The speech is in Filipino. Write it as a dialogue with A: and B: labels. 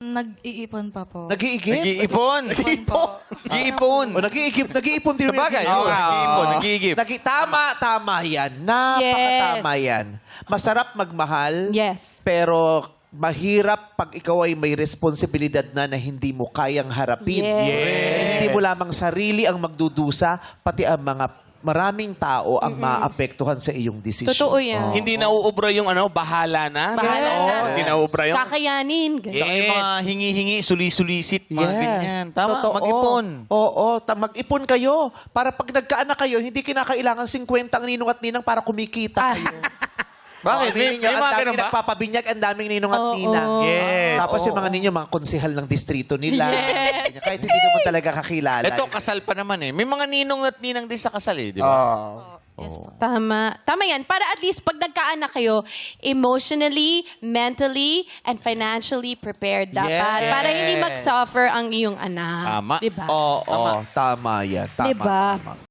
A: Nag-iipon pa po.
B: Nag-iigip?
C: Nag-iipon. Nag-iipon.
B: O, nag-iipon din.
C: Sabagay, oo, nag-iipon, nag-iigip.
B: Tama yan. Napakatama yan. Masarap magmahal,
D: Yes.
B: pero mahirap pag ikaw ay may responsibilidad na hindi mo kayang harapin.
D: Yes.
B: Hindi mo lamang sarili ang magdudusa, pati ang mga maraming tao ang maapektuhan sa iyong desisyon.
D: Totoo yan.
C: Hindi nauubra yung bahala na.
D: Bahala na.
C: Hindi nauubra yung...
D: Kakayanin. Ganun.
E: Saka yung mga hingi-hingi, suli-sulisit, mga ganyan. Tama,
B: Totoo.
E: mag-ipon.
B: Oo, mag-ipon kayo. Para pag nagkaanak kayo, hindi kinakailangan 50 ang ninong at ninang para kumikita kayo.
C: Bakit?
B: May
C: May mga ganun ba?
B: nagpapabinyag, ang daming ninong at
D: Oo.
B: ninang.
C: Yes.
B: Tapos yung mga ninyo, mga konsehal ng distrito nila.
D: Yes.
B: Kahit hindi naman talaga kakilala.
E: Ito, kasal pa naman eh. May mga ninong at ninang din sa kasal eh, di ba?
D: Yes po. Tama. Tama yan. Para at least pag nagkaanak kayo, emotionally, mentally, and financially prepared dapat.
B: Yes.
D: Para hindi mag-suffer ang iyong anak.
E: Tama.
D: Diba?
B: Oo, tama yan. Tama,
D: Diba?
B: tama.